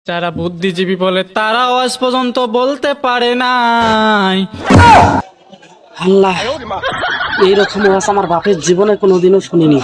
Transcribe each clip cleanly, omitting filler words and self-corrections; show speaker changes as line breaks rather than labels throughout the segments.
যারা বুদ্ধিজীবী বলে তারাও আজ পর্যন্ত বলতে পারে নাই।
আল্লাহ, এইরকম ওয়াজ আমার বাপের জীবনে কোনোদিনও শুনিনি।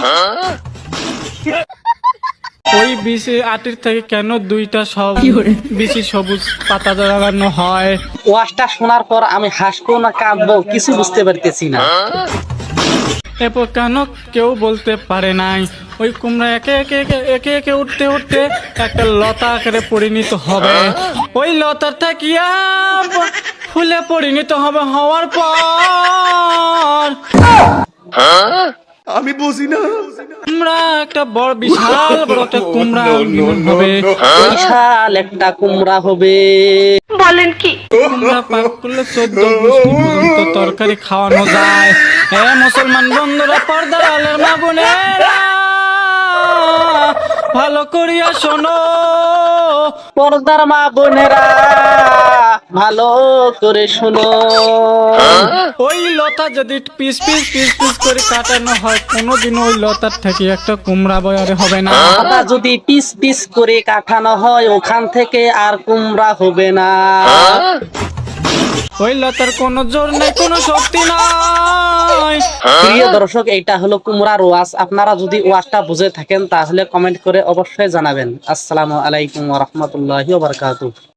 ওই বিচি আটির থেকে কেন দুইটা সব বিচি সবুজ পাতা লাগানো হয়?
ওয়াজটা শোনার পর আমি হাসবো না কাঁদবো কিছু বুঝতে পারতেছি না।
এরপর কেন কেউ বলতে পারে নাই ওই কুমড়া একে একে একে একে একে উঠতে উঠতে একটা লতা আকারে পরিণত হবে, ওই লতার থাকিয়া ফুলে পরিণত হবে, হওয়ার পর
আমি বুঝি না।
কুমড়া একটা বড় বিশাল বড় একটা কুমড়া হবে।
বিশাল একটা কুমড়া হবে।
কুমড়া পাক করলে 14 গোষ্ঠী পর্যন্ত তরকারি খাওয়ানো যায়। মুসলমান বন্ধুরা, পর্দার আলের মা বোনেরা, ভালো করিয়া শোনো।
পর্দার মা বোনেরা ভালো করে শোনো।
ওই লতা যদি পিস পিস পিস পিস করে কাটানো হয়, কোনোদিনও ওই লতার থেকে একটা কুমড়া বয়ারে হবে না।
পাতা যদি পিস পিস করে কাটানো হয়, ওখান থেকে আর কুমড়া হবে না।
ওই লতার কোনো জোর নাই, কোনো শক্তি নাই।
প্রিয় দর্শক, এইটা হলো কুমড়ার ওয়াজ। আপনারা যদি ওয়াজটা বুঝে থাকেন তাহলে কমেন্ট করে অবশ্যই জানাবেন। আসসালামু আলাইকুম ওয়া রাহমাতুল্লাহি ওয়া বারাকাতুহু।